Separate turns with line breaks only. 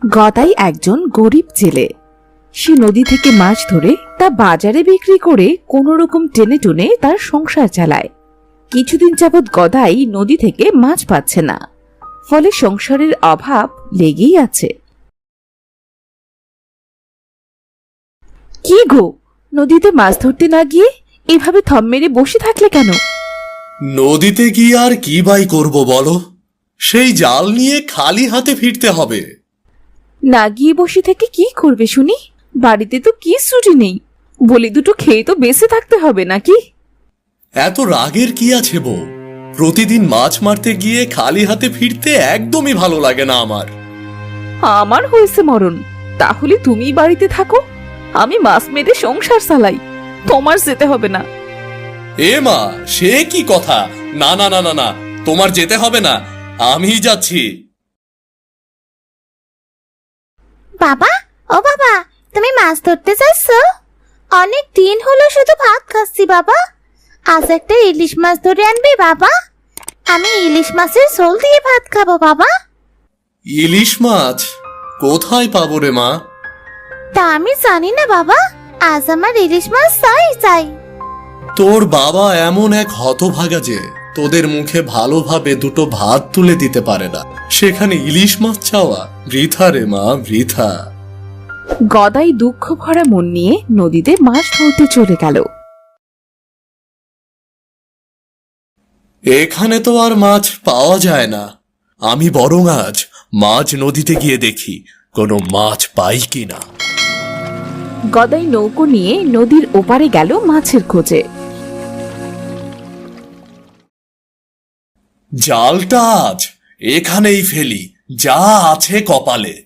গদাই একজন গরিব জেলে। সে নদী থেকে মাছ ধরে তা বাজারে বিক্রি করে কোনো রকম টেনে টুনে তার সংসার চালায়। কিছুদিন যাবৎ গদাই নদী থেকে মাছ পাচ্ছে না, ফলে সংসারের অভাব লেগেই আছে। কি গো, নদীতে মাছ ধরতে না গিয়ে এভাবে থম মেরে বসে থাকলে কেন?
নদীতে গিয়ে আর কি বাই করব বলো, সেই জাল নিয়ে খালি হাতে ফিরতে হবে।
না গিয়ে বসে থেকে কি করবে শুনি? বাড়িতে তো কি ছুটি নেই, বলি দুটো খেয়ে তো বেঁচে থাকতে হবে নাকি?
এত রাগের কি আছে বউ? প্রতিদিন মাছ মারতে গিয়ে খালি হাতে ফিরতে একদমই ভালো লাগে না আমার।
আমার হয়েছে মরণ, তাহলে তুমি বাড়িতে থাকো, আমি মাছ মেরে সংসার চালাই, তোমার যেতে হবে না।
এ মা, সে কি কথা? না না না না না, তোমার যেতে হবে না, আমি যাচ্ছি।
বাবা, ও বাবা, তুমি মাছ ধরতে যাচ্ছ? অনেক দিন হলো শুধু ভাত খাচ্ছি বাবা। আজ একটা ইলিশ মাছ ধরে আনবি বাবা, আমি ইলিশ মাছের ঝোল দিয়ে ভাত খাবো বাবা।
ইলিশ মাছ কোথায় পাবো রে মা?
তা আমি জানি না বাবা, আজ আমার ইলিশ মাছ চাই চাই।
তোর বাবা এমন এক হতভাগা যে তোদের মুখে ভালোভাবে দুটো ভাত তুলে দিতে পারে না, সেখানে ইলিশ মাছ চাওয়া বৃথা রে মা, বৃথা।
গদাই দুঃখ ভরা মন নিয়ে নদীতে মাছ ধরতে চলে গেল।
এখানে তো আর মাছ পাওয়া যায় না, আমি বরং আজ মাছ নদীতে গিয়ে দেখি কোনো মাছ পাই কিনা।
গদাই নৌকো নিয়ে নদীর ওপারে গেল মাছের খোঁজে।
জালটা আজ এখানেই ফেলি, যা আছে কপালে।